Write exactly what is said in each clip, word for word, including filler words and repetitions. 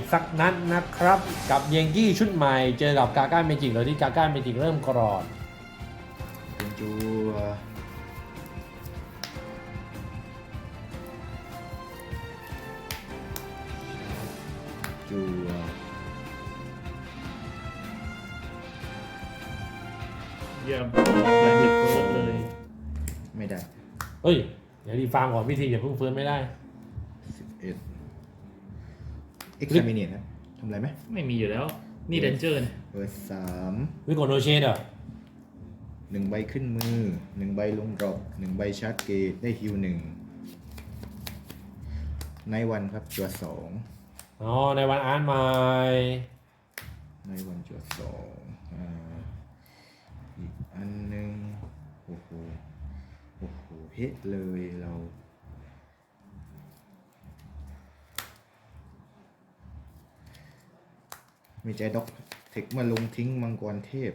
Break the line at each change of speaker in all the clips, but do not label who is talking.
กสักนัดนะครับ กับเยงกี้ชุดใหม่เจอกับกาก้าเมจิกโดยที่กาก้าเมจิกเริ่มกรอด
เป็นจูจู
เยี่ยมแบบจะครบเลย
ไม่ได้
เฮ้ย เดี๋ยวดีฟาร์มก่อนพิธีอย่าเพิ่งฟื้นไม่ได้
สิบเอ็ดเอ็กซ์แมเนียนะทำอะไรไหม
ไม่มีอยู่แล้ว นี่เดนเจอร์เนี่ย
เบอร์สาม
วิโกโนเชนเหรอ
หนึ่งใบขึ้นมือหนึ่งใบลงดรอปหนึ่งใบชาร์จเกตได้ฮิวหนึ่งในวันครับจัวสอง
อ๋อ ในวันอาร์ตใหม่
ในวันจัวสองอ่าอีกอันหนึ่งโอ้โหโอ้โหเฮ็ดเลยเรา มีใจด็อกเทคมาลงทิ้งมังกรเทพ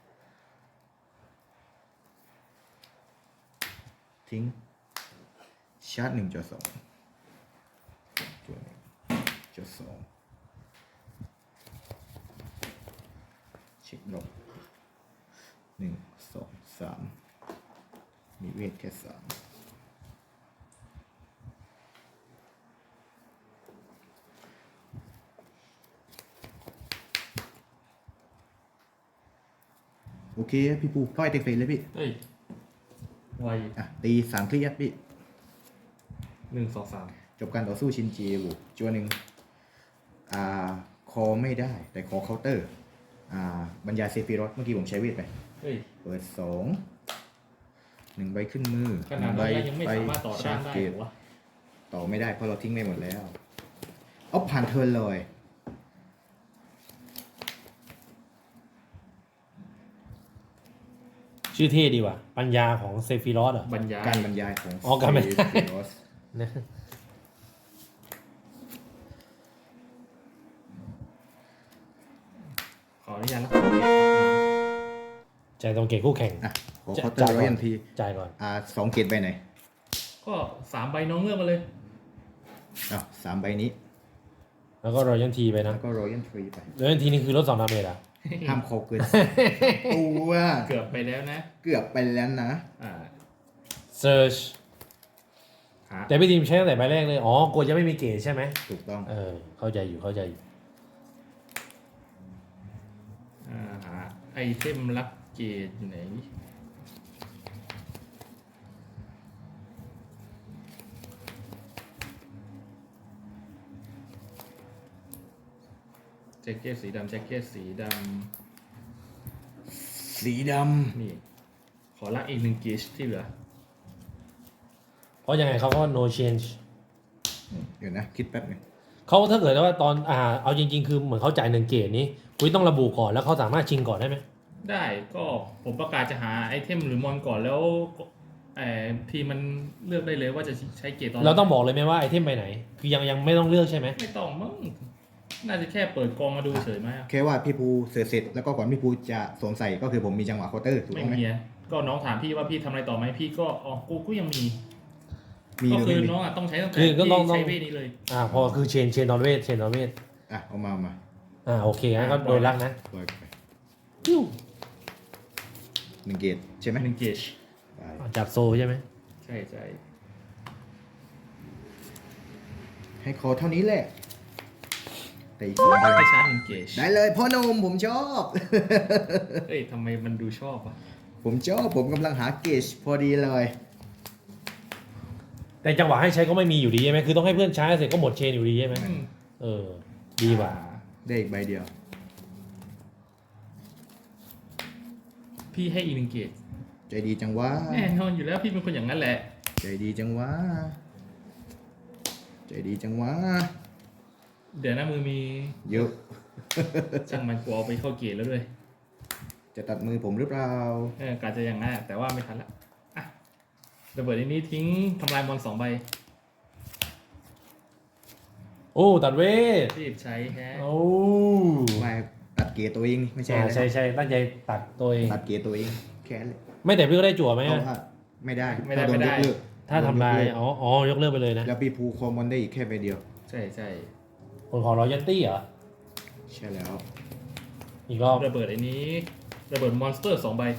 ทิ้ง ชาร์จหนึ่งจอสองจอหนึ่งจอสองเช็คดอกหนึ่งสองสามมีเวทแค่สามโอเค พี่ปูต้อยเตะเฟรเลยพี่
เฮ้ยไว
อ่ะ ตีสามคลิกพี่
หนึ่งสองสาม
จบการต่อสู้ชินจีบุกจัวหนึ่งอ่า คอไม่ได้ แต่ขอเคาน์เตอร์ อ่า บรรยายเซฟิรอสเมื่อกี้ผมใช้เวทไป
เฮ้ย
เปิดสองหนึ่งใบขึ้นมือ
ขนาด
หงใบ
นั้นแล้วยังไม่สามารถต่อต้านได้
เก
เห
ต
รอวะ
ต่อไม่ได้เพราะเราทิ้งไปหมดแล้ว เอาผ่านเทิร์นเลย
ชื่อเท่ดีว่ะ ปัญญาของเซฟิรอสเหรอ
บรรยาย
การบรรยายของ
อ๋อการบรรยาย
เซฟิรอส
นะ
ขออนุญาตรับของเก็บครับ
ใจตรงเกตคู่แข่ง
อ่ะขอ
จะ
เคาน์เตอร์ร้อยยันที
จ่ายก่อน
อ่าสองเกตใบไหน
ก็สามใบน้องเลือกมาเลย
อ่ะสามใบนี้
แล้วก็รอยันทีไปนะ
แล้วก็ร้อยยันทรีไป
รอยันทีนี่คือลดสองดาเมจอ่ะ
ห้ามคอเกินตัว
เกือบไปแล้วนะ
เกือบไปแล้วนะ
อ่า
เซิร์ช
หา
แต่พี่ทีมใช้ตั้งแต่ใบแรกเลย อ๋อกลัวจะไม่มีเกตใช่ไหม
ถูกต้อง
เออ เข้าใจอยู่ เข้าใจอยู่
อ่าหาไอเทมลักเกตอยู่ไหนแจ็คเก็ตสีดำแจ็คเก็ตสีด
สีด
ำนี่ ขอลักอีกหนึ่งเกจที่เหลือ
เพราะยังไงเขาก็ no change
ำเดี๋ยวนะ คิดแป๊บหนึง
เขาถ้าเกิดว่าตอน อ่า เอาจริงๆ คือเหมือนเขาจ่ายหนึ่งเกตนี้คุยต้องระบุก่อนแล้วเขาสามารถชิงก่อนได้ไหม
ได้ก็ผมประกาศจะหาไอเทมหรือมอนก่อนแล้วเอ่อทีมมันเลือกได้เลยว่าจะใช้เกตตอน
เราต้องบอกเลยไหมว่าไอเทมไปไหน คือยังยังไม่ต้องเลือกใช่ไหม
ไม่ต้องมั้งน่าจะแค่เปิดกองมาดูเฉยไหมอะ
แค่ว่าพี่ภูเสร็จเสร็จแล้วก็ก่อนพี่ภูจะสวมใส่ก็คือผมมีจังหวะเคาน์เตอร์ถูก
ไม่
ต้องไหม
มีอะก็น้องถามพี่ว่าพี่ทำอะไรต่อไหมพี่ก็อ๋อกูก็ยังมี
มี
ก็
หรือ
คือ
ไม่มี
น้องอ่ะต้องใช้ตั้งแต่
คือก็ต้อง
ที่
ต้อง
ใช้เวทนี้เลย
อ่า พอคือเชนเชนนอนเวทเชนนอนเวท
อ่ะเอามาเอามา
อ่า โอเคงั้นก็โดนลักนะ
ปล่อยไป
ปิ้ว
หนึ่งเกตใช่ไหม
หนึ่งเกจ
ไป
จับโซใช่ไหม
ใช่ใช่
ให้คอเท่านี้แหละแต่อีกสองใบ
ให้ชาร์จหนึ่งเกจ
ได้เลยพ่อหนุ่มผมชอบ
เอ้ยทำไมมันดูชอบอ่ะ
ผมชอบผมกำลังหาเกจพอดีเลย
แต่จังหวะให้ใช้ก็ไม่มีอยู่ดีใช่ไหมคือต้องให้เพื่อนใช้เสร็จก็หมดเชนอยู่ดีใช่ไหม
อืม
เออ ดีกว่า
ได้อีกใบเดียว
พี่ให้อีกหนึ่งเกจ
ใจดีจังวะ
แน่นอนอยู่แล้วพี่เป็นคนอย่างนั้นแหละ
ใจดีจังวะใจดีจังวะ
เดี๋ยวหน้ามือมี
เยอะ
ช่างมันกลัวเอาไปเข้าเกจแล้วด้วย
จะตัดมือผมหรือเปล่า
เออกาจะอย่างนั้นอะแต่ว่าไม่ทันละอ่ะระเบิดอันนี้ทิ้งทำลายบอลสองใบ
โอ้ตัดเวท
รีบใช้แฮะ
โอ้
ไม่ตัดเกตตัวเองนี่ไม่ใช่
ใช่
อะไร
ใช่ใช่ตั้งใจตัดตัวเอง
ตัดเกตตัวเองแค่นั้นเลย
ไม่แต่พี่ก็ได้จั่วไหม
เพ
อะ
ราะว่าไม่ได้
ไม่ได้
ถ้าโดน
ไม่
ย
ได้
กเลิก
ถ้าทำลาย อ๋อ อ๋อยกเลิกไปเลยนะ
แล้วพี่ภูคอมมอนได้อีกแค่ใบเดียว
ใช่ใช่
ผลของรอยันตี้เหรอ
ใช่แล้ว
อีกรอบ
ระเบิดไอ้นี้ระเบิดมอนสเตอร์สองใบ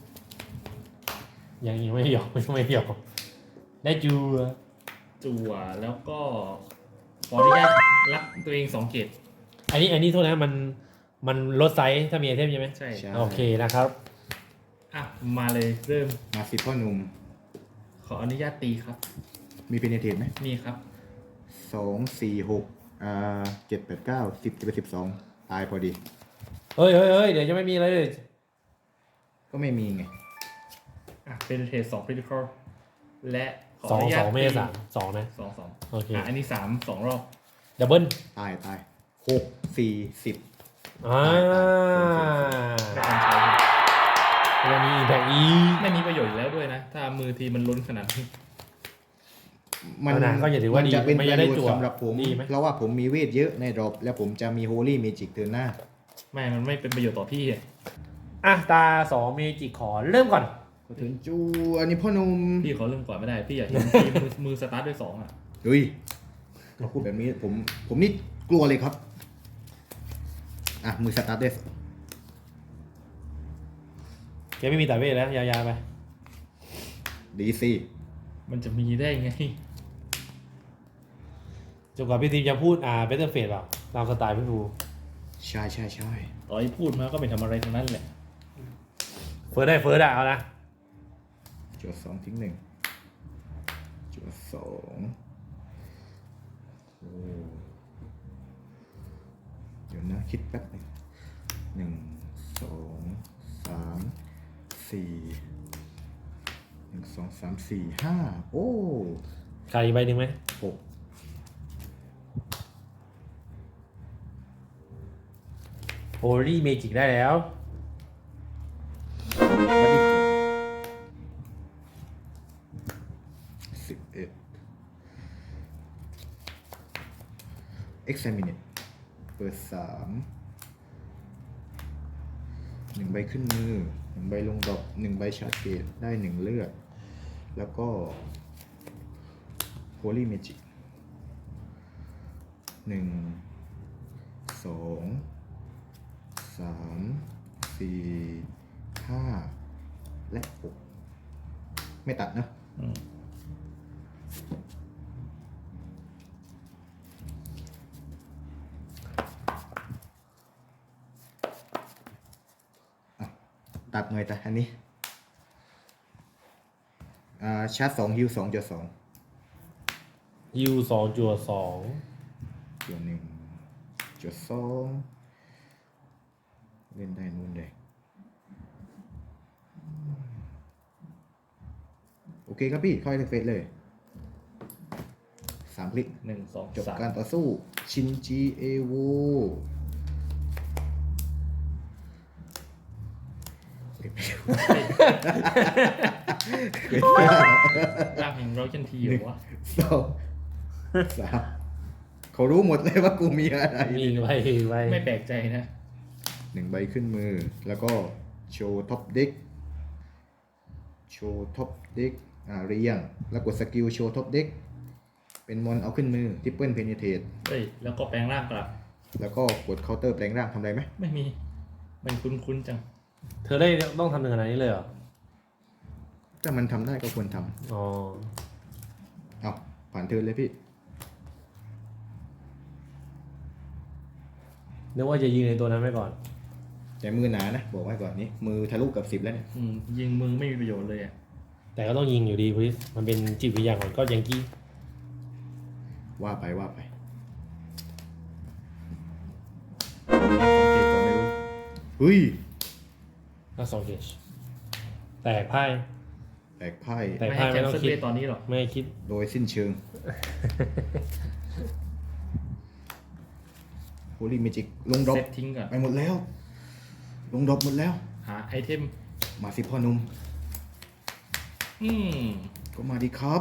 ยังยังไม่หยอกยังไม่หยอกได้จู
จั่วแล้วก็ขออนุญาตรับตัวเองสองเกต
อันนี้อันนี้โทษนะมันมันลดไซส์ถ้ามีไอเทมใช่ไหม
ใช่
ใช่
โอเคนะครับ
อ่ะมาเลยเริ่ม
มาสิพ่อหนุ่ม
ขออนุญาตตีครับ
มีเพนเทตไหม
มีครับ
สองสี่หกอ่าเจ็ดแปดเก้าสิบจะเป็นสิบสองตายพอดี
เฮ้ยเฮ้ยเฮ้ยเดี๋ยวจะไม่มีเลย
ก็ไม่มีไง
อ่ะเป็นเทสสองคริติคอลและขอ
สอ
อง นุญา
ส
ต
องไม่ใช่สามสองนะ
สองสอง
โอเค
อ่ะอันนี้สามสองรอบ
ดับเบิล
ตายตายหกสี่สิบ
อ่า
ไม่ทันใช้
ยังมีอีกแพ็กอีก
ไม่มีประโยชน์อยู่แล้วด้วยนะ ถ้ามือทีมันล้นขนาดนี้
เอานะก็อย่าถือว่าดี
จะเป็น
ไม่
ประ
จะได้
โยช
จั่ว
น์สำหรับผม
ดีไหม
เพราะว่าผมมีเวทเยอะในดรอปและผมจะมีโฮลี่เมจิกเทิร์นหน้า
ไม่ มันไม่เป็นประโยชน์ต่อพี่อะ
อ่ะตาสองเมจิขอเริ่มก่อน
ขอถึงจูอันนี้พ่อหนุ่ม
พี่เขาเริ่มก่อนไม่ได้ พี่อยากเห็นทีมมือมือสตาร์ทด้วยสองอ่ะ
เฮ้ยเขาพูดแบบนี้ผมผมนี่กลัวเลยครับ อ่ะ มือสตาร์ทเดส
แกไม่มีตัดเวทแล้ว ยาวๆไป
ดีซี
มันจะมีได้ไง
จนกว่าพี่ทีมจะพูดอ่าเบเตอร์เฟสเปล่าตามสไตล์พี่ภู
ใช่ใช่ใช่
ต่อให้พูดมาก็ไม่ทำอะไรทั้งนั้นแหละ
เฟิร์สได้เฟิร์สได้เอานะ
จวดสองทิ้งหนึ่งจวดสองโอ้เดี๋ยวนะ คิดแป๊บหนึงหนึ่งสองสามสี่หนึ่งสองสามสี่ห้าโอ้
ขาดอีกใบหนึ่งไหม
หก
โฮลี่เมจิกได้แล้ว
บัดดี้สิบเอ็ด examine เปิดสามหนึ่งใบขึ้นมือหนึ่งใบลงดอกหนึ่งใบชาร์จเกตได้หนึ่งเลือด แล้วก็ holy magic หนึ่งสองสามสี่ห้าและหกไม่ตัดนะ
อืม
ตัดหน่อยแต่อันนี้ อ่า ชาร์จสองฮิวสองจุดสอง
ยูสองจัวสอง
จุดหนึ่งจุดสองเล่นได้นู่นเลยโอเคครับพี่ค่อยเฟสเลยสามคลิก
หนึ่งสอง
จบ
สาม
การต่อสู้ ชินจิเอโว
ร่างแห่งเราชันทีเหรอวะ
สองสามเขารู้หมดเลยว่ากูมีอะไร
มีอีกใบอีกใบ
ไม่แปลกใจนะ
หนึ่งใบขึ้นมือ แล้วก็โชว์ท็อปเด็กโชว์ท็อปเด็กอ่าเรียง แล้วกดสกิลโชว์ท็อปเด็กเป็นมอนเอาขึ้นมือทิปเปิลเพนิเทต
เฮ้ย แล้วก็แปลงร่างกลับ
แล้วก็กดเคาน์เตอร์แปลงร่างทำอะไรไหม
ไม่มี มันคุ้นๆจัง
เธอได้ต้องทำถึงขนาดนี้เลยเหรอ
ถ้ามันทำได้ก็ควรท
อ๋อ
ำเอาผ่านเทิร์นเลยพี่
นึกว่าจะยิงในตัวนั้นไว้ก่อน
แต่มือหนานะ บอกไว้ก่อนนี้ มือทะลุกับสิบแล้วเนี่ย
อืม ยิงมือไม่มีประโยชน์เลยอ่ะ
แต่ก็ต้องยิงอยู่ดีพุทธมันเป็นจิตวิทยาของก็ยังกี้
ว่าไปว่าไป
ของเกตก่อนไม่รู้
เฮ้ย
ก็สองเกจแตกไพ่
แตกไพ่
แต่
ไม่ให้
ไม่
แคน
ต้อง
เซิล
คิด
เวทตอนนี้หรอก
ไม่ให้คิด
โดยสิ้นเชิง โฮลี่เมจิกลงดรอป
เซตทิ้งก่อน
ไปหมดแล้ว ลงดรอปหมดแล้ว
หาไอเทม
มาสิพ่อหนุ่ม
อืม
ก็มาดีครับ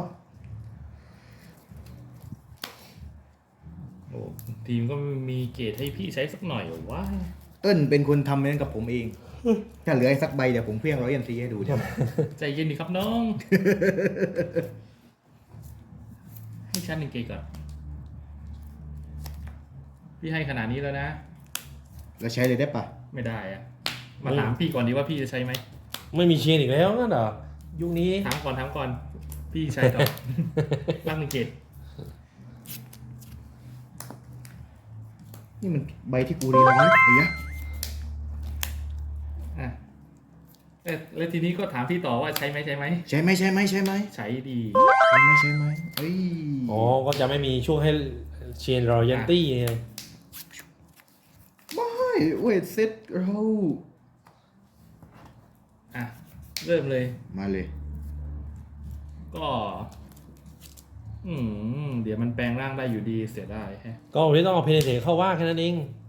โอ้ทีมก็ไม่มีเกตให้พี่ใช้สักหน่อยเหรอวะ
เติ้ลเป็นคนทำนั้นกับผมเอง ถ้าเหลืออีกสักใบเดี๋ยวผมเพี้ยงร้อยเอ็นซีให้ดู
ใจเย็นดีครับน้อง ให้ชั้นหนึ่งเกตก่อนพี่ให้ขนาดนี้แล้วนะ
แล้วใช้เลยได้ปะ
ไม่ได้อะมาถามพี่ก่อนดีว่าพี่จะใช้ไหม
ไม่มีเชียร์อีกแล้วนั่นเหรอยุคนี้
ถามก่อนถามก่อนพี่ใช้ต่อ ร่างหนึ่งเกต
นี่มันใบที่กูเรียนไว้ไอ้ยะ
อ่ะเอ๊ะแล้วทีนี้ก็ถามพี่ต่อว่าใช้ไหมใช้ไหม
ใช่ไหมใช่ไหมใช่ไหม
ใช้ดี
ใช่ไหมใช่ไหมเอ้ย
อ๋อก็จะไม่มีช่วงให้เชียร์รอยัลตี้ไง
ไม่เวทเซตเรา
อ่ะเริ่มเลย
มาเลย
ก็ อืมเดี๋ยวมันแปลงร่างได้อยู่ดีเสียดายแฮะ
ก็วันนี้ต้องเอาเพนเทเข้าว่าแค่นั้นเอง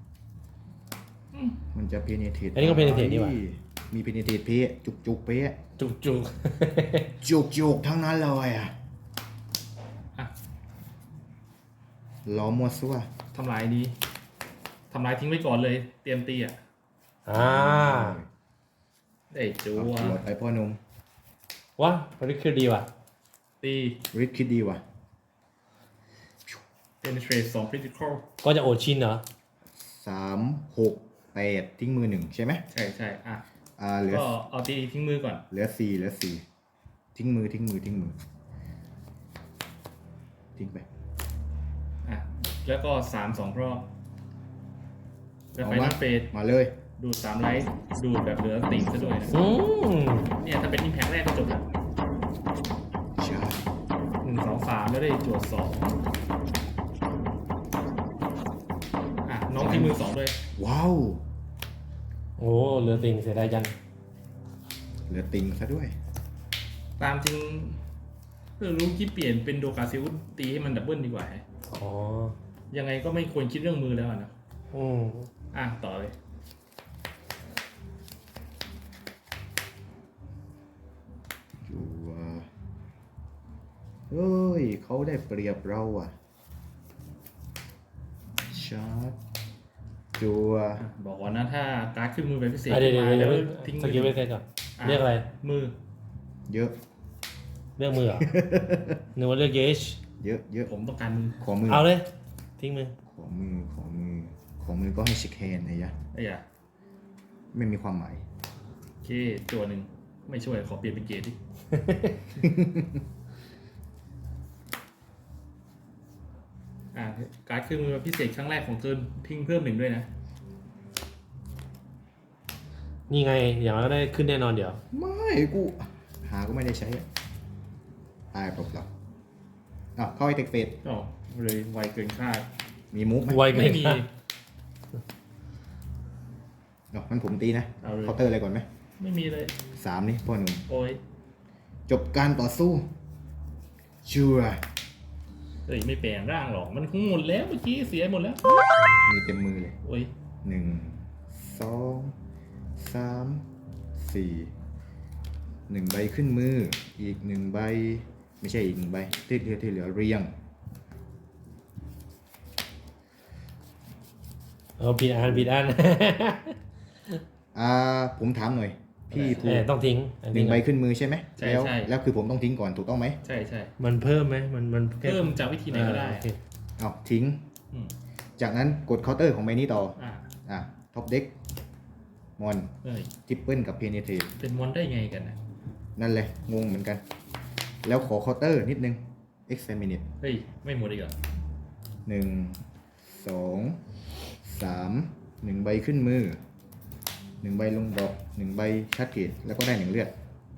มันจะเพเนเทต
อันนี้ก็ penetrate นี่หว่า
มีเพเนเทตเพะจุกจุกเพะ
จุกจุก
จุกจุกทั้งนั้นเลยอ่ะ
อ่ะ
ล้อมัวซัว
ทำลายดีทำลายทิ้งไว้ก่อนเลย เตรียมตีอ่ะ
อ่า
ได้จู
เอา
ว
หลอดไปพ่อหนุ่ม
วะมันนี่คือดีว่ะ
ตี
ริดคิดดีว่ะ
penetrate สอง critical
ก็จะโอดชินเหรอ
สามหกแปดทิ้งมือหนึ่งใช่ไหม
ใช่ใช่อ่ะ
อ่าเหลือ
ก็เอาตีทิ้งมือก่อน
เหลือสี่เหลือสี่ทิ้งมือทิ้งมือทิ้งมือทิ้งไป
อ่ะ แล้วก็สามสองรอบ แล้ว
เอา
ไฟ
มา
นอลเฟส
มาเลย
ดูดสามไลท์ดูดแบบเหลือติ่งซะด้วยนะ
อืม
เนี่ยถ้าเป็นอิมแพคแรกก็จบแล้ว
ใช่
หนึ่งสองสามแล้วได้จวดสองอ่ะ น้องทิ้งมือสองด้วย
ว้าว
โอ้เหลือติ่งเสียดายจัง
เหลือติงซะด้วย
ตามจริงเออรู้คิดเปลี่ยนเป็นโดกาซิลตีให้มันดับเบิลดีกว่าแฮะ
อ๋อ
ยังไงก็ไม่ควรคิดเรื่องมือแล้วอะนะ
อืม
อ่ะ ต่อเลย
จัวเฮ้ยเขาได้เปรียบเราอ่ะชาร์จจัว
อ่ะบอกก่อนนะถ้าการ์ดขึ้นมือเป็นพิเศษ
อ่ะเดี๋ยว
ขึ้น
เดี๋ยว
มา
เดี๋ยว
แล้วทิ้ง
ส
มื
กิล
อ
ไปเซ็ตก่อน
อ่ะ
เรียกอะไร
มือ
เยอะ
เรียกมือเหรอ นึกว่าเรียกเยช
เยอะเยอะ
ผมต้องการมือ
ขอมือ
เอาเลย ทิ้งมือ
ขอมือขอมือขอมือก็ให้ชิคแฮนไอ้ยะ
ไอ้ยะ
ไม่มีความหมาย
โอเคตัวหนึ่งไม่ช่วยขอเปลี่ยนเป็นเกรดดิ อ่ะการ์ดขึ้นมือพิเศษครั้งแรกของเทิร์นทิ้งเพิ่มหนึ่งด้วยนะ
นี่ไง อย่างนั้นก็ได้ขึ้นแน่นอนเดี๋ยว
ไม่กูหาก็ไม่ได้ใช้อะตายเปล่าๆอ่ะเข้าไอเทคเฟส
อ๋อเลยไวเกินคาด
มีมุกไหม
ไวเกิ
ไม่
น
มี
คาด
เนาะมันผมตีนะ
เอาเลย
เคาน์เตอร์อะไรก่อนไหม
ไม่มีเลย
สามนี่พ่อหนุ่ม
โอ้ย
จบการต่อสู้ชัวร์
เอ้ยไม่แปลงร่างหรอก มันคงหมดแล้วเมื่อกี้เสียหมดแล้ว
มีเต็มมือเลย
โอ้ย
หนึ่งสองสามสี่หนึ่งใบขึ้นมือ อีกหนึ่งใบ ไม่ใช่อีกหนึ่งใบที่เหลือที่เหลือเรียง
เออผิดอันผิดอัน
อ่าผมถามหน่อย พี่ภู
เออต้องทิ้งอั
หนึ่งใบขึ้นมือใช่ไหม
ใช่
แล้ว
ใช่
แล้วคือผมต้องทิ้งก่อนถูกต้องไหม
ใช่ใช่
มันเพิ่มไหมมันมันแค่
เพิ่มจากวิธีไหนก็ได้
อ่าโอเค
เอาทิ้ง
อืม
จากนั้นกดเคาน์เตอร์ของใบนี้ต่อ
อ่ะ
อ่ะท็อปเด็กมอน
เอ้ย
ทิปเปิลกับเพเนเท
เป็นมอนได้ไงกันนะ
นั่นเลยงงเหมือนกัน แล้วขอเคาน์เตอร์นิดนึง examine
เฮ้ย ไม่หมดอีกเหรอ
หนึ่งสองสามหนึ่งใบขึ้นมือหนึ่งใบลงดอกหนึ่งใบชาร์จเกตแล้วก็ได้หนึ่งเลือด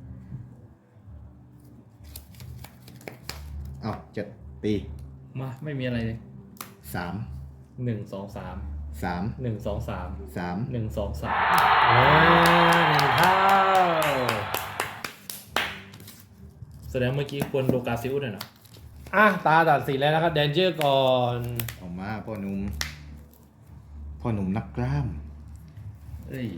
เอาจะตี
มาไม่มีอะไรเลย
สาม
หนึ่งสองสาม
สาม
หนึ่งสองสาม
สาม
หนึ่งสองสาม
อ่าหนึ่งเท่า
แสดงเมื่อกี้ควรโลกาซิลหน่อยนะ
อ่ะตาตัดสินแล้วนะครับแดนเจอร์ก่อน
ออกมาพ่อหนุ่มพ่อหนุ่มนักกล้าม
เอ้ย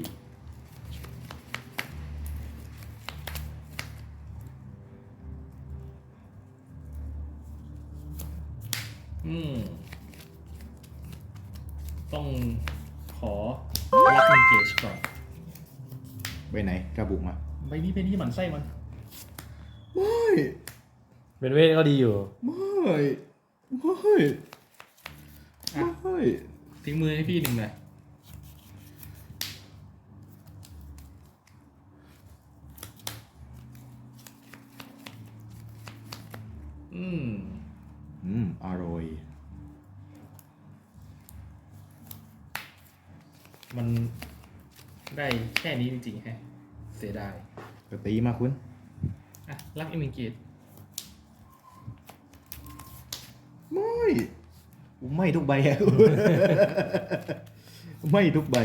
อืม ต้องขอรับเงินเกจก่อน
ไปไหนระบุมา
ใบนี้เป็นที่หมันไส้มัน
ไม่
เป็นเวทก็ดีอยู่
ไม่ไม่
อ่ะ
ไม่
ททิ้งมือให้พี่หนึ่งหน่อยอืม
อืมอร่อย
มันได้แค่นี้จริงๆแฮะเสียดาย
ก็ตีมาคุณ
อ่ะรักอีกหนึ่งเกียรติ
ไม่ไม่ทุกใบอะ ไม่ทุกใบ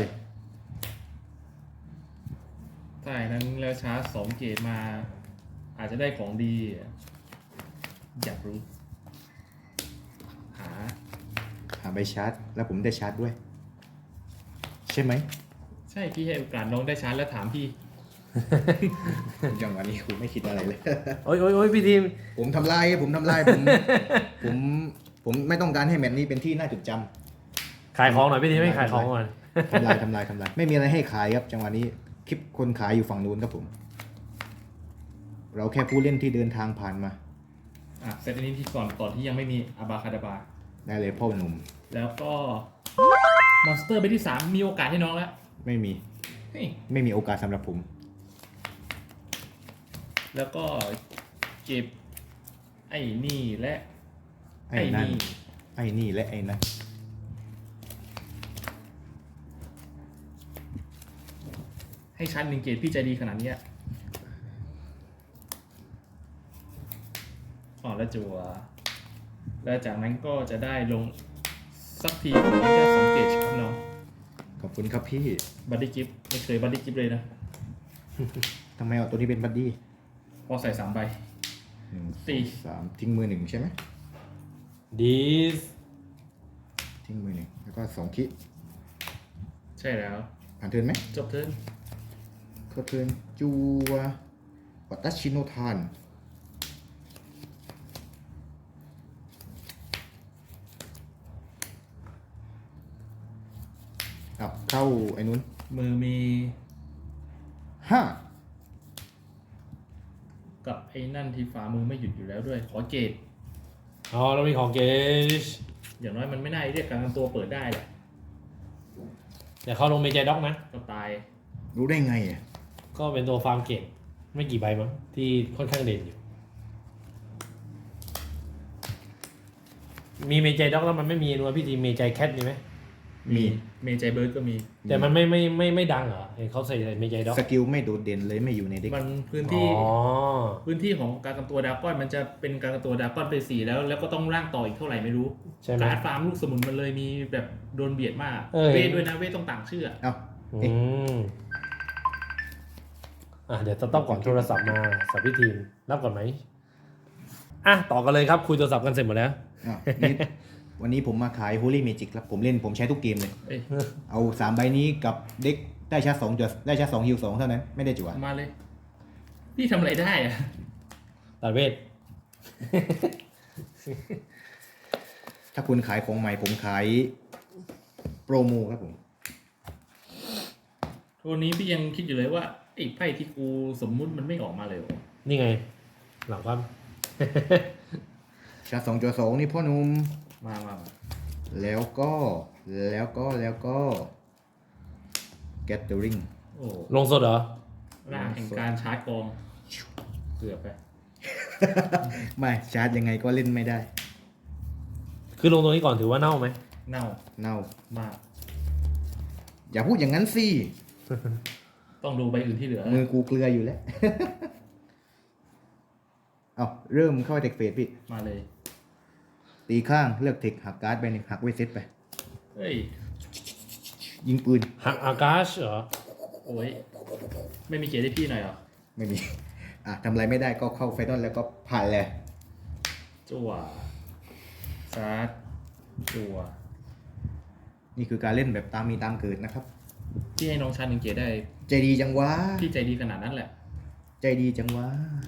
ถ้าอย่างนั้นแล้วชาร์จสองเกียรติมา อาจจะได้ของดีอ่ะอยากรู้ หา
หาใบชาร์จ แล้วผมได้ชาร์จด้วย ใช่ไหม
ใช่พี่ให้โอกาสน้องได้ชาร์จแล้วถามพี่
จังหวะนี้คุณไม่คิดอะไรเลย
โอ้ยโอ้ยโอ้ยพี่ทีม
ผมทำลายผมทำลายผม ผมผมไม่ต้องการให้แมตช์นี้เป็นที่น่าจดจำ
ขายของหน่อยพี่ทีมไม่ขายของก่อน
ทำลายทำลายทำลายไม่มีอะไรให้ขายครับจังหวะนี้คลิปคนขายอยู่ฝั่งนู้นครับผม เราแค่ผู้เล่นที่เดินทางผ่านมา
อ่ะเซตอันนี้ที่ก่อนก่อนที่ยังไม่มีอาบาคาดาบา
ได้เลยพ่อหนุ่ม
แล้วก็มอนสเตอร์ใบที่สามมีโอกาสให้น้องแล้ว
ไม่มี
เฮ้ย
ไม่มีโอกาสสำหรับผม
แล้วก็เก็บ ไอ้นี่และ
ไอ้นั่นไอ้นี่และไอ้นั่น
ให้ชั้นหนึ่งเกรดพี่ใจดีขนาดเนี้ยอ๋อแล้วจัว แล้วจากนั้นก็จะได้ลงสักทีผมแค่สองเกจครับน้อง
ขอบคุณครับพี่
บัดดี้กิฟไม่เคยบัดดี้กิฟเลยนะ
ทำไมเอาตัวนี้เป็นบัดดี้
พอใส่สามใบ
หนึ่ง
สี่
สามทิ้งมือหนึ่งใช่ไหม
ดีส
ทิ้งมือหนึ่งแล้วก็สองคิ
ใช่แล้ว
ผ่านเทิร์นไหม
จบเทิร์น
เข้าเทิร์นจัววัตชิโนทานอ่ะเข้าไอ้นู้น
มือมี
ห้า
กับไอ้นั่นที่ฝ่ามือไม่หยุดอยู่แล้วด้วย ขอเกต
อ๋อเรามีของเกจ
อย่างน้อยมันไม่น่าเรียกการกันตัวเปิดได้แหละ
เดี๋ยวเขาลงเมจด็อกนะ
ก็ตาย
รู้ได้ไงอ่ะ
ก็เป็นตัวฟาร์มเกตไม่กี่ใบมั้งที่ค่อนข้างเด่นอยู่ มีเมจด็อกแล้วมันไม่มีนัวพี่ทีมเมจแคทมีไหม
มี
เมจเบิร์ดก็มี
แต่มันไม่ไม่ไม่ไม่ดังเหรอเห็นเขาใส่เมจด็อก
สกิลไม่โดดเด่นเลยไม่อยู่ในเด็ก
มันพื้น
อ๋
ที่
อ
พื้นที่ของการกันตัวดราก้อนมันจะเป็นการกันตัวดราก้อนไปสี่แล้ว แล้วก็ต้องร่างต่ออีกเท่าไหร่ไม่รู้
ใช่ไหม
การดฟาร์มลูกสมุนมันเลยมีแบบโดนเบียดมาก
เออ
เวทด้วยนะเวทต้องต่างชื่ออะ
เอ้า
อื
เอ๊ะ
มอ่ะเดี๋ยวจะต้องก่อนโทรศัพท์มาสับพี่ทีมรับก่อนไหมอ่ะต่อกันเลยครับคุยโทรศัพท์กันเสร็จหมดแล้ว
อ่ะนี่วันนี้ผมมาขาย Holy Magic ครับ ผมเล่นผมใช้ทุกเกมเลย
เอ้ย
เอาสามใบนี้กับเด็กได้ชาร์จสองจัวได้ชาร์จสองฮิวสองเท่านั้น ไม่ได้จั่ว
มาเลย พี่ทำอะไรได้อะ
ตัดเวท
ถ้าคุณขายของใหม่ผมขายโปรโมครับผม
วันนี้พี่ยังคิดอยู่เลยว่าไอ้ไพ่ที่กูสมมุติมันไม่ออกมาเลยเหรอ
นี่ไง หลังความ
ชาร์จสองจัวสองนี่พ่อหนุ่ม
มามามา
แล้วก็แล้วก็แล้วก็ Gathering
โอ้
ลงสดเหรอ
ร่างแห่งการชาร์จกองเกือบไป
ไม่ชาร์จยังไงก็เล่นไม่ได้
คือลงตรงนี้ก่อนถือว่าเน่าไหม
เน่า
เน่าม
าก
อย่าพูดอย่างนั้นสิ
ต้องดูใบอื่นที่เหลือ
มือกูเกลืออยู่แล้ว เอาเริ่มเข้าเทคเฟสพี่
มาเลย
ตีข้างเลือกเทคหักการ์ดไปหนึ่งหักเวทเซตไป
เฮ้ย
ยิงปืน
หักอากาชเหรอ
โอ้ยไม่มีเกียรติให้พี่หน่อยเหรอ
ไม่มี อ่ะทำอะไรไม่ได้ก็เข้าไฟนอลแล้วก็ผ่านเลย
จั่วชาร์จจั่ว
นี่คือการเล่นแบบตามมีตามเกิดนะครับ
พี่ให้น้องชาร์จหนึ่งเกียรติได้
ใจดีจังวะ
พี่ใจดีขนาดนั้นแหละ
ใจดีจังวะ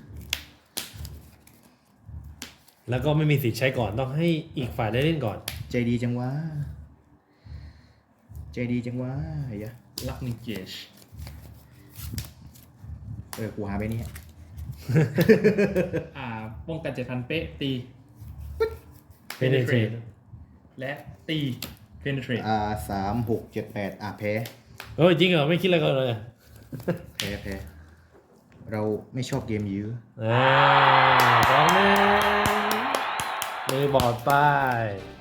แล้วก็ไม่มีสิทธิ์ใช้ก่อนต้องให้อีกฝ่ายได้เล่นก่อน
ใจดีจังวะ ใจดีจังวะไอ้ยะ
รักหนึ่งเกียรติ
เออกูหาไปนี่
อ่าป้องกันเจ็ดพันเป๊ะตี
เป็นเทรด
และตี penetrate
อ่าสามหกเจ็ดแปดอ่ะแพ้
เฮ้ยจริงเหรอไม่คิดอะไรกันเลย
แพ้แพ้เราไม่ชอบเกมยื้อ
อ่าสองหนึ่งมือบอดไป้าย